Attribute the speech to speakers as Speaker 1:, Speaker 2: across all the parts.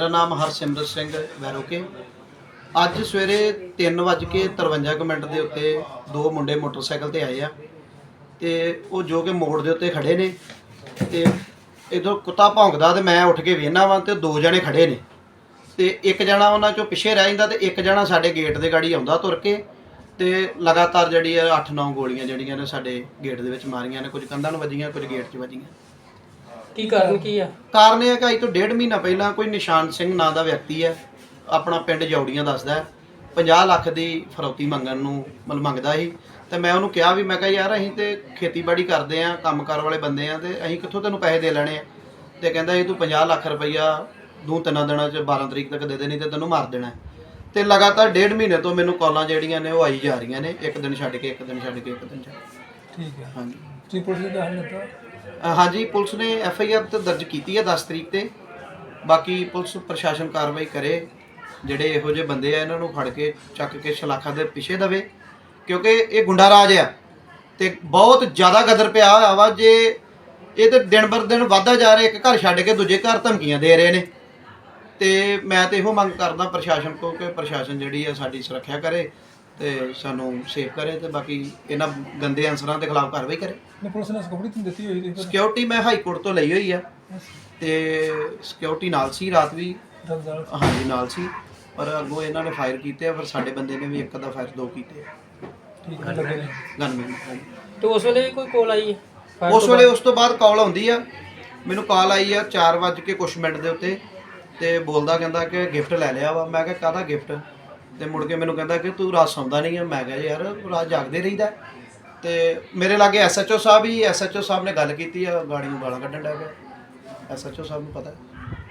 Speaker 1: मेरा नाम हरसिमरत सिंह वैरोके। अज सवेरे 3:53 के उत्ते दो मुंडे मोटरसाइकिल ते आए आ ते वो जो कि मोड़ के उत्ते खड़े ने ते इधर कुत्ता भौंकदा ते मैं उठ के वेखना वा ते दो जने खड़े ने ते एक जना उन्हां चों पिछे रह जांदा ते एक जना साडे गेट दे गाड़ी आउंदा तुर के ते लगातार जिहड़ी 8-9 गोलियां जिहड़ियां ने साडे गेट दे विच मारियां ने, कुछ कंधां नूं वजीआं, कुछ गेट 'च वजीआं।
Speaker 2: की कारण की है?
Speaker 1: कारण यह है कि अज तो 1.5 महीना पहला कोई निशान सिंह नां दा व्यक्ति है, अपना पिंड जौड़ियां दसदा है, 50 ਲੱਖ की फरौती मंगण नूं मतलब मंगदा ही ते मैं उहनूं कहा भी मैं कहा यार असीं ते खेतीबाड़ी करदे आ, कंमकार वाले बंदे आ ते असीं कित्थों तैनूं पैसे दे लैणे आ ते कहंदा जी तूं 50 ਲੱਖ रुपया 2-3 दिनां च 12 तरीक तक दे दे नहीं ते तैनूं मार देना ते लगातार 1.5 महीने तो मैनूं कॉलां जिहड़ियां ने वो आई जा रहीआं ने, एक दिन छड्ड के एक दिन छड्ड के एक दिन छड्ड।
Speaker 2: ठीक है।
Speaker 1: हाँ जी
Speaker 2: ਤੁਸੀਂ ਪੁਲਿਸ ਨੂੰ ਦੱਸ ਦਿੱਤਾ?
Speaker 1: हाँ जी पुलिस ने FIR तो दर्ज की है 10 तरीक ते। बाकी पुलिस प्रशासन कार्रवाई करे, ਜਿਹੜੇ ਇਹੋ ਜਿਹੇ ਬੰਦੇ ਆ ਇਹਨਾਂ ਨੂੰ ਫੜ ਕੇ ਚੱਕ ਕੇ ਸ਼ਲਾਖਾ ਦੇ ਪਿੱਛੇ ਦਵੇ ਕਿਉਂਕਿ ਇਹ ਗੁੰਡਾ ਰਾਜ ਆ ਤੇ ਬਹੁਤ ਜ਼ਿਆਦਾ ਗਦਰ ਪਿਆ ਹੋਇਆ ਵਾ। ਜੇ ਇਹ ਤੇ ਦਿਨ ਬਰ ਦਿਨ ਵਧਦਾ ਜਾ ਰਿਹਾ, ਇੱਕ ਘਰ ਛੱਡ ਕੇ ਦੂਜੇ ਘਰ ਧਮਕੀਆਂ ਦੇ ਰਹੇ ਨੇ ਤੇ ਮੈਂ ਤੇ ਇਹੋ ਮੰਗ ਕਰਦਾ ਪ੍ਰਸ਼ਾਸਨ ਕੋ ਕਿ ਪ੍ਰਸ਼ਾਸਨ ਜਿਹੜੀ ਆ ਸਾਡੀ ਸੁਰੱਖਿਆ ਕਰੇ ਤੇ ਸਾਨੂੰ ਸੇਫ ਕਰੇ ਤੇ ਬਾਕੀ ਇਹਨਾਂ ਗੰਦੇ ਅਨਸਰਾਂ ਦੇ ਖਿਲਾਫ ਕਾਰਵਾਈ ਕਰੇ।
Speaker 2: ਪੁਲਿਸ ਨੇ ਸਿਕਿਉਰਿਟੀ ਦਿੱਤੀ ਹੋਈ ਹੈ?
Speaker 1: ਸਿਕਿਉਰਿਟੀ ਮੈਂ ਹਾਈ ਕੋਰਟ ਤੋਂ ਲਈ ਹੋਈ ਆ ਤੇ ਸਿਕਿਉਰਿਟੀ ਨਾਲ ਸੀ, ਰਾਤ ਵੀ ਹਾਂਜੀ ਨਾਲ ਸੀ, ਪਰ ਅੱਗੋਂ ਇਹਨਾਂ ਨੇ ਫਾਇਰ ਕੀਤੇ ਆ, ਫਿਰ ਸਾਡੇ ਬੰਦੇ ਨੇ ਵੀ ਇੱਕ ਦਾ ਫਾਇਰ ਦੋ ਕੀਤੇ ਆ।
Speaker 2: ਠੀਕ ਹੈ ਲੱਗੇ ਨੇ
Speaker 1: ਗਨਮੈਨ
Speaker 2: ਤੇ ਉਸ ਵੇਲੇ ਕੋਈ ਕਾਲ ਆਈ ਹੈ?
Speaker 1: ਉਸ ਵੇਲੇ ਉਸ ਤੋਂ ਬਾਅਦ ਕਾਲ ਆਉਂਦੀ ਆ, ਮੈਨੂੰ ਕਾਲ ਆਈ ਆ 4 ਵੱਜ ਕੇ ਕੁਛ ਮਿੰਟ ਦੇ ਉੱਤੇ ਤੇ ਬੋਲਦਾ ਕਹਿੰਦਾ ਕਿ ਗਿਫਟ ਲੈ ਲਿਆ ਵਾ। ਮੈਂ ਕਿਹਾ ਕਾਹਦਾ ਗਿਫਟ? ਤੇ ਮੁੜ ਕੇ ਮੈਨੂੰ ਕਹਿੰਦਾ ਕਿ ਤੂੰ ਰਾਤ ਸੌਂਦਾ ਨਹੀਂ ਆ। ਮੈਂ ਕਿਹਾ ਯਾਰ ਰਾਤ ਜਾਗਦੇ ਰਹੀਦਾ ਤੇ ਮੇਰੇ ਲਾਗੇ SHO ਸਾਹਿਬ ਹੀ, SHO ਸਾਹਿਬ ਨੇ ਗੱਲ ਕੀਤੀ ਆ, ਗਾੜੀ ਨੂੰ ਗਾਲਾਂ ਕੱਢਣ ਲੱਗ ਪਿਆ। SHO ਸਾਹਿਬ ਨੂੰ ਪਤਾ।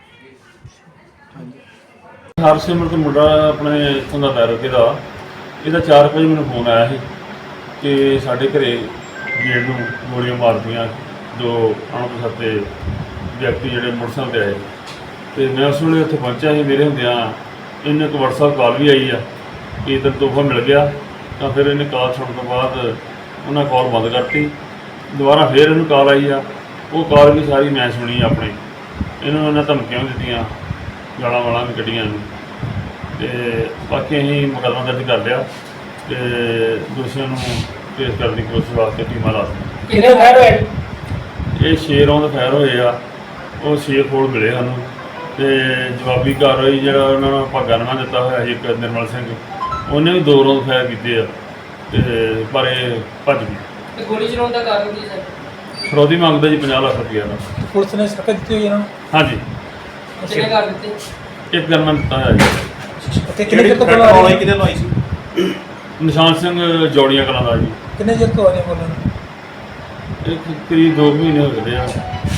Speaker 1: ਹਾਂਜੀ
Speaker 3: ਹਰਸਿਮਰਤ ਮੁੰਡਾ ਆਪਣੇ ਇੱਥੋਂ ਦਾ ਵੈਰੋਕੇ ਦਾ, ਇਹਦਾ 4 ਵਜੇ ਮੈਨੂੰ ਫੋਨ ਆਇਆ ਸੀ ਕਿ ਸਾਡੇ ਘਰੇ ਗੇਟ ਨੂੰ ਗੋਲੀਆਂ ਮਾਰਦੀਆਂ ਦੋ ਅਣਪਛਾਤੇ ਵਿਅਕਤੀ ਜਿਹੜੇ ਮੋਟਰਸਾਈਕਲ 'ਤੇ ਆਏ ਤੇ ਮੈਂ ਉਸ ਵੇਲੇ ਉੱਥੇ ਪਹੁੰਚਿਆ ਸੀ। ਮੇਰੇ ਹੁੰਦਿਆਂ ਇਹਨੂੰ ਇੱਕ WhatsApp ਕਾਲ ਵੀ ਆਈ ਆ ਕਿ ਤੈਨੂੰ ਤੋਹਫਾ ਮਿਲ ਗਿਆ, ਤਾਂ ਫਿਰ ਇਹਨੇ ਕਾਲ ਸੁਣਨ ਤੋਂ ਬਾਅਦ ਉਹਨਾਂ ਕਾਲ ਬੰਦ ਕਰਤੀ। ਦੁਬਾਰਾ ਫਿਰ ਇਹਨੂੰ ਕਾਲ ਆਈ ਆ, ਉਹ ਕਾਲ ਵੀ ਸਾਰੀ ਮੈਂ ਸੁਣੀ ਆਪਣੇ। ਇਹਨੂੰ ਉਹਨਾਂ ਧਮਕੀਆਂ ਵੀ ਦਿੱਤੀਆਂ, ਗਾਲਾਂ ਵਾਲਾਂ ਵੀ ਕੱਢੀਆਂ ਨੇ ਤੇ ਬਾਕੀ ਅਸੀਂ ਮੁਕੱਦਮਾ ਦਰਜ ਕਰ ਲਿਆ ਤੇ ਦੋਸ਼ੀਆਂ ਨੂੰ ਪੇਸ਼ ਕਰਨ ਦੀ ਕੋਸ਼ਿਸ਼ ਵਾਸਤੇ ਟੀਮਾਂ ਲਾ ਦਿੱਤੀਆਂ।
Speaker 2: ਕਿੰਨੇ ਫਾਇਰ ਹੋਏ?
Speaker 3: ਇਹ 6 ਰੌਂਦ ਫਾਇਰ ਹੋਏ ਆ, ਉਹ 6 ਖੋਲ ਮਿਲੇ ਸਾਨੂੰ ਤੇ ਜਵਾਬੀ ਕਾਰਵਾਈ ਜਿਹੜਾ ਉਹਨਾਂ ਨੂੰ ਭਾਗਾ ਨਵਾਂ ਦਿੱਤਾ ਹੋਇਆ ਸੀ ਇੱਕ ਨਿਰਮਲ ਸਿੰਘ, ਉਹਨੇ ਵੀ 2 ਰੌਂਦ ਫਾਇਰ ਕੀਤੇ ਆ ਤੇ ਪਰ ਇਹ ਭੱਜ ਗਈ।
Speaker 2: ਤੇ ਗੋਲੀ ਚਲਾਉਣ ਦਾ ਕਾਰਨ ਕੀ ਸਰ?
Speaker 3: ਫਰੌਦੀ ਮੰਗਦਾ ਜੀ 50 ਲੱਖ ਰੁਪਈਆ ਦਾ।
Speaker 2: ਪੁਲਿਸ ਨੇ ਸਖਤ ਦਿੱਤੀ ਹੋਈ ਇਹਨਾਂ ਨੂੰ?
Speaker 3: ਹਾਂਜੀ
Speaker 2: ਕਿੰਨੇ ਕਰ ਦਿੱਤੇ?
Speaker 3: ਇੱਕ ਗਨਮੈਨ ਦਿੱਤਾ ਹੋਇਆ ਜੀ।
Speaker 2: ਤੇ ਕਿੰਨੇ ਚਿਰ ਤੋਂ ਬੋਲ
Speaker 1: ਕਿਹਦੇ ਲਵਾਈ ਸੀ?
Speaker 3: ਨਿਸ਼ਾਨ ਸਿੰਘ ਜੌੜੀਆਂ ਕਲਾਂ ਦਾ ਜੀ।
Speaker 2: ਕਿੰਨੇ ਚਿਰ ਤੋਂ ਆ ਰਹੇ ਬੋਲਣ?
Speaker 3: ਇਹ ਕਰੀਬ 2 ਮਹੀਨੇ ਹੋ ਗਏ ਆ।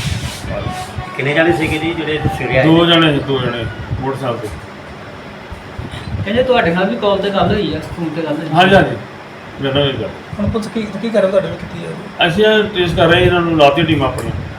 Speaker 4: ਕਿੰਨੇ ਜਾਣੇ ਸੀਗੇ ਜੀ ਜਿਹੜੇ ਸਵੇਰੇ ਆਏ?
Speaker 3: 2 ਜਣੇ ਮੋਟਰਸਾਈਕਲ ਤੇ।
Speaker 4: ਕਹਿੰਦੇ ਤੁਹਾਡੇ ਨਾਲ ਵੀ ਕਾਲ ਤੇ ਗੱਲ ਹੋਈ ਆ, ਫੋਨ ਤੇ ਗੱਲ ਹੋਈ?
Speaker 3: ਹਾਂਜੀ ਹਾਂਜੀ ਮੇਰੇ ਨਾਲ ਇਹ ਗੱਲ।
Speaker 2: ਹੁਣ ਪੁਲਿਸ ਕੀ ਕਰ ਰਹੀ ਤੁਹਾਡੇ ਵਿੱਚ ਕੀਤੀ ਹੈ?
Speaker 3: ਅਸੀਂ ਟ੍ਰੇਸ ਕਰ ਰਹੇ ਇਹਨਾਂ ਨੂੰ, ਲਾਤੀ ਟੀਮ ਆਪਣੀ।